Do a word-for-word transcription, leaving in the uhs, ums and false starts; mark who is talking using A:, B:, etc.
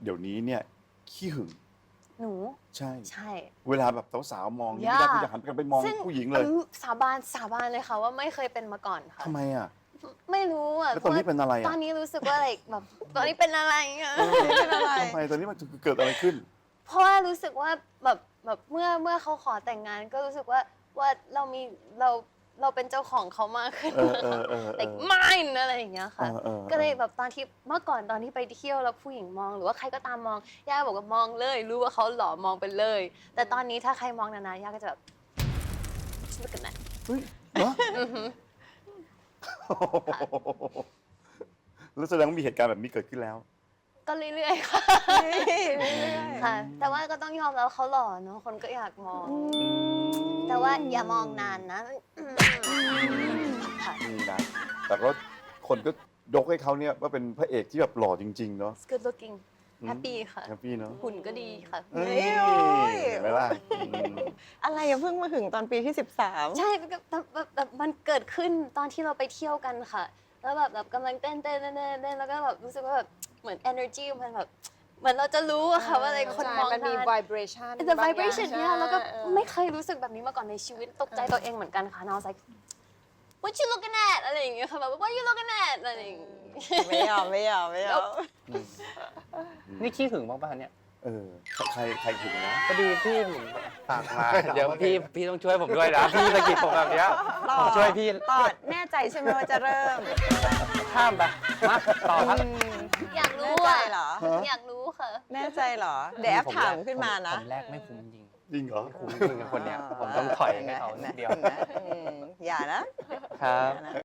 A: เดี๋ยวนี้เนี่ยขี้หึง
B: หนู
A: ใช่
B: ใช่
A: เวลาแบบสาวๆมองนี่
B: ย่า
A: ไม่ได้คือจะหันกันไปมอง
B: ซึ่
A: ผู้หญิงเลย
B: อืมสาบานสาบานเลยค่ะว่าไม่เคยเป็นมาก่อนค่ะ
A: ทำไมอ่ะ
B: ไม่รู้อ่ะ
A: แล้วตอนนี้เป็นอะไรอะ
B: ตอนนี้รู้สึกว่าอะไรแบบตอนนี้เป็นอะไรอ่ะ
C: เป็นอะไร
A: ทำไมตอนนี้มันเกิดอะไรขึ้น
B: เพราะว่ารู้สึกว่าแบบแบบเมื่อเมื่อเขาขอแต่งงานก็รู้สึกว่าว่าเรามีเราเราเป็นเจ้าของเขามากขึ้น
A: เออเออเออเออ
B: like mine อะไรอย่างเงี้ยค่ะ
A: เออเออเออ
B: ก็เลยแบบตอนที่เมื่อก่อนตอนที่ไปเที่ยวแล้วผู้หญิงมอง หรือว่าใครก็ตามมองย่าบอกว่ามองเลย รู้ว่าเขาหล่อมองไปเลย แต่ตอนนี้ถ้าใครมองนานๆย่าก็จะแบบ look at that
A: เฮ้ยเหรอแล้วแสดงว่ามีเหตุการณ์แบบนี้เกิดขึ้นแล้ว
B: ก็เรื่อยๆค่ะ
C: เรื่อยๆ
B: ค่ะ แต่ว่าก็ต้องยอมแล้วเขาหล่อเนาะคนก็อยากมอง แต่ว่าอย่ามองนานนะอืมค่ะ
A: นี่นะ แต่ก็คนก็ยกให้เขาเนี่ยว่าเป็นพระเอกที่แบบหล่อจริง ๆ เนาะ
B: It's good looking happy ค่ะ
A: แฮปปี้เนาะ
B: หุ่นก็ดีค่ะ
A: เอ้ย
C: โอ้ย
A: เห็นไหมล่ะอืม
C: อะไรอะเพิ่งมาถึงตอนปีที่สิบสาม
B: ใช่แบบแบบแบบแบบมันเกิดขึ้นตอนที่เราไปเที่ยวกันค่ะ แล้วแบบแบบกำลังเต้นเต้นเต้นเต้นเต้นแล้วก็แบบรู้สึกว่าแบบเหมือน energy มันแบบเหมือนเราจะรู้อะค่ะว่าอะไรคนมอง
D: มันมี
B: นาน
D: vibration
B: the
D: บางอย่าง
B: vibration
D: ใช่
B: เนี่ยแล้วก็
D: เออ
B: ไม่เคยรู้สึกแบบนี้มาก่อนในชีวิตตกใจตัวเองเหมือนกันค่ะ and I was like what you looking at อะไรอย่างเงี้ยค่ะแบบ what you looking at อะไรอย่างเงี้ย
C: ไม่ยอมไม่ยอมไม่ยอม
E: นี่ขี้หึงบ้างป่ะเนี่ย
A: เออใครใครถึงนะ
E: พอดีพี่ผมฝากมา เดี๋ยวพี่พี่ต้องช่วยผมด้วยนะ พี่สะกิดผมแบบเนี้ย
C: ต่อ
E: ผมช่วยพี่
C: ต่อแน่ใจใช่ไหมว่าจะเริ่ม
E: ข้ามไปมาต่อครับ
B: อยากรู้
C: แน่ใจ
B: อะ
C: เหรอ
B: อยากรู้ค่ะ
C: แน่ใจเหรอ เดี๋ยวแอปถามขึ้นมานะ
E: ผมแรกไม่คุ้มจริง
A: จริงเหรอ
E: คุ้มจริงกับคนเนี้ย ผมต้องถอยให้เขานิดเดียว
C: ห็นไหมอืมอย่านะ
E: ครับ
C: อย่านะ